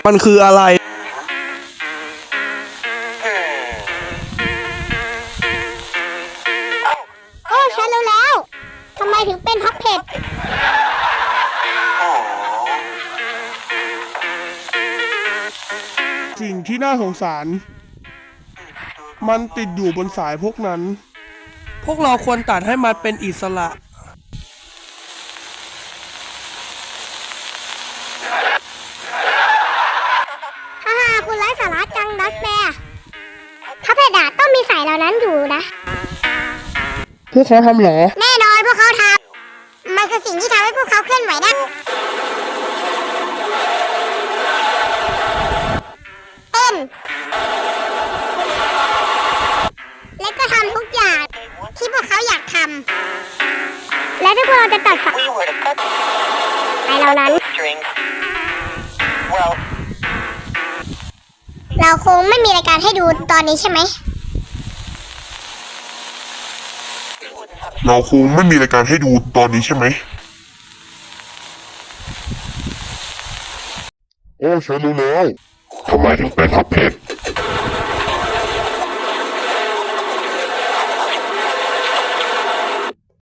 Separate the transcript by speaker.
Speaker 1: มันคืออะไร
Speaker 2: โอ้ฉันรู้แล้วทำไมถึงเป็นพับเพ็ด
Speaker 3: สิ่งที่น่าสงสารมันติดอยู่บนสายพวกนั้น
Speaker 1: พวกเราควรตัดให้มันเป็นอิสระ
Speaker 2: ฮ่าคุณไร้สาระจังดัสแบร์พับเพ็ดอะต้องมีสายเหล่านั้นอยู่นะ
Speaker 3: พวกเขาทำเหรอ
Speaker 2: แน่นอนพวกเขาทำมันคือสิ่งที่ทำให้พวกเขาเคลื่อนไหวได้เต้นและก็ทำทุกอย่างที่พวกเขาอยากทำและถ้าพวกเราจะตัดสายเหล่านั้นเราคงไม่มีรายการให้ดูตอนนี้ใช่ไหม
Speaker 4: เราคงไม่มีรายการให้ดูตอนนี้ใช่ไหมโอ้ฉันรู้แล้วทำไมถึงเป็นพับเพชร